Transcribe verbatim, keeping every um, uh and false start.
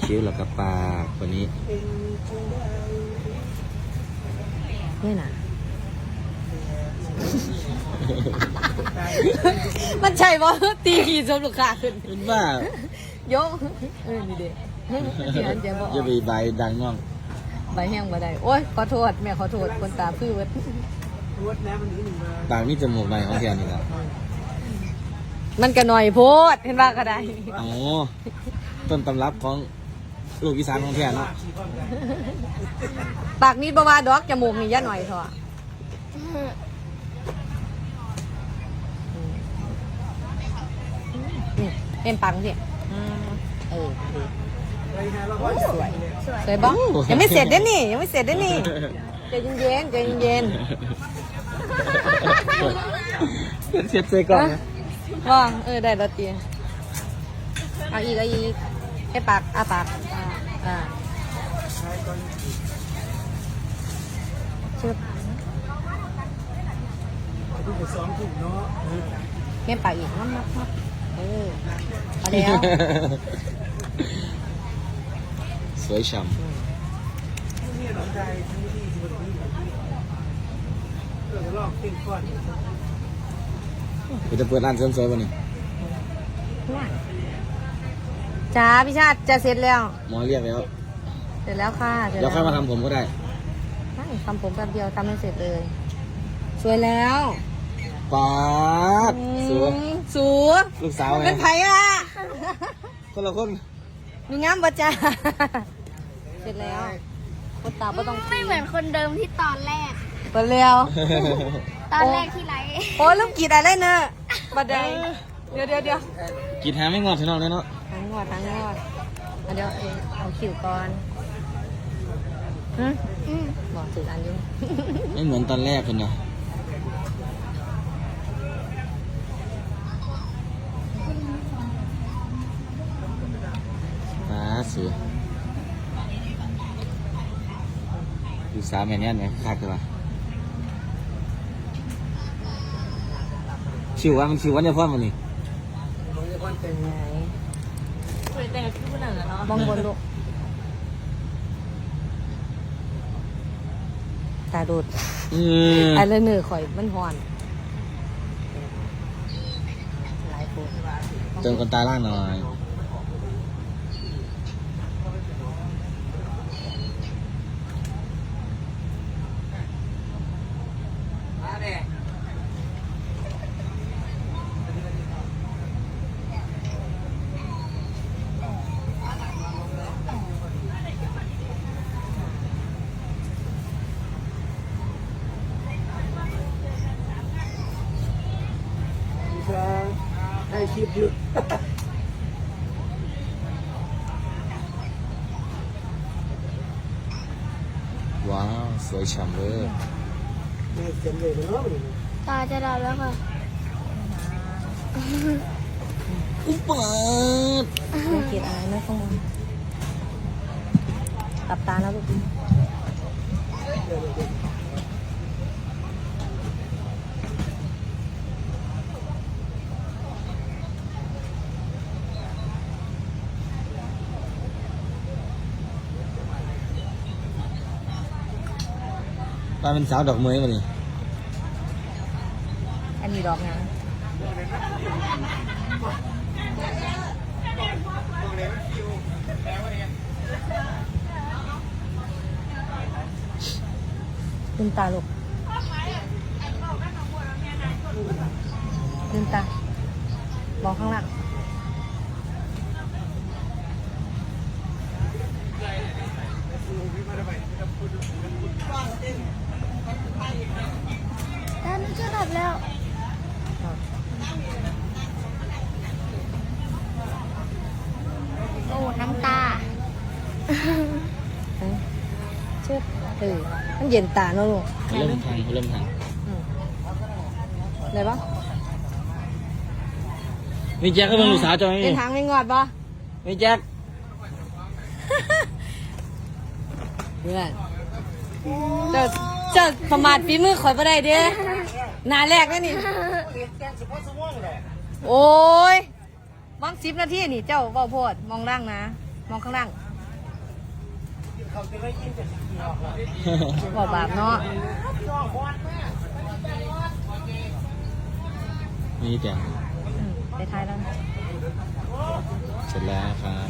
คิ้วแล้วก็ปากคนนี้นี่นะมันใช่ป่ะตีขี่ชมลูกค้าขึ้นเป็นบ้ายกเออนี่เด็กเสียงเจ๊บอกอย่าไปใบดังน้องใบแห้งบ่ได้โอ้ยขอโทษแม่ขอโทษคนตาพื้นวัดปากนี่จมูกใบของเทียนนี่ครับมันก็หน่อยโพดเห็นว่าก็ได้อ๋อต้นตำรับของลูกอีสานของเทียนเนาะปากนี้ประมาณดอกจมูกนี่ย่าหน่อยเถอะเป็นปังสิเออสวยสวยบ้างยังไม่เสร็จเด้นี่ยังไม่เสร็จเด้นี่ใจเย็นใจเย็นเช็ดเซ็ก่อนว่างเออได้แล้วตีเอาอีกเอาอีกให้ปากอาปากอ่าชึบเม่ปากอีกมับมับมับเออเอาแล้วสวยฉ่ำจะเปิดร้านเสริมสวยป่ะนี่จ้าพี่ชาติจะเสร็จแล้วหมอเรียกแล้วเสร็จแล้วค่ะเดี๋ยวค่อยมาทำผมก็ได้ทำผมแป๊บเดียวทำให้เสร็จเลยสวยแล้วป๊าดสวยสวยลูกสาวเป็นไผ่อะคนละคนมีงามบ่จ้าเสร็จแล้วคนตาไม่ต้องไม่เหมือนคนเดิมที่ตอนแรกเปิดเร็วตอนแรกที่ไรโอ้ลืมกีดอะไรเนอะบัดใดเดี๋ยวเดี๋ยวเดี๋ยวกีดหาไม่งอดถึงนอกเลยเนาะทั้งงอดทั้งงอดเดี๋ยวเอาขิวก่อนอืมอืมบอกถึงอันยุ่งไม่เหมือนตอนแรกคนเนาะมาสิดูสามแม่เนี่ยเนี่ยคักเลยชิวว่ามันชิววันเดียวพ่อมันนี่มองบนลูกตาดูดไอ้เรื่องเหนือข่อยมันหอนหลายคนเติมคนตาล่างหน่อยให้คลิปอยู่ว้าวสวยฉ่ำเลยตาจะดับแล้วค่ะอุ๊บเปิดไม่เกลียดอะไรไม่ต้องตับตาแล้วลูกป้าเป็นสาวดอกเมยมาดิอันนี้ดอกนะลืมตาลูกลืมตามองข้างล่างตาจะดับแล้วโอ้น้ำตาเชื่อเออมันเย็นตาเนอะลูกเริ่มทางเริ่มทางอะไรบ้างมีแจ็คก็เป็นลูกสาวจอยเป็นทางไม่งอดป่ะมีแจ็คเพื่อนจะจะประมาทฝีมือข่อยมาได้เด้หนาแรกแล้วนี่โอ้ยมองสิบนาทีนี่เจ้าเบาโพดมองล่างนะมองข้างล่างบอกบาปเนาะนี่แต่อืมไปท้ายแล้วเสร็จแล้วครับ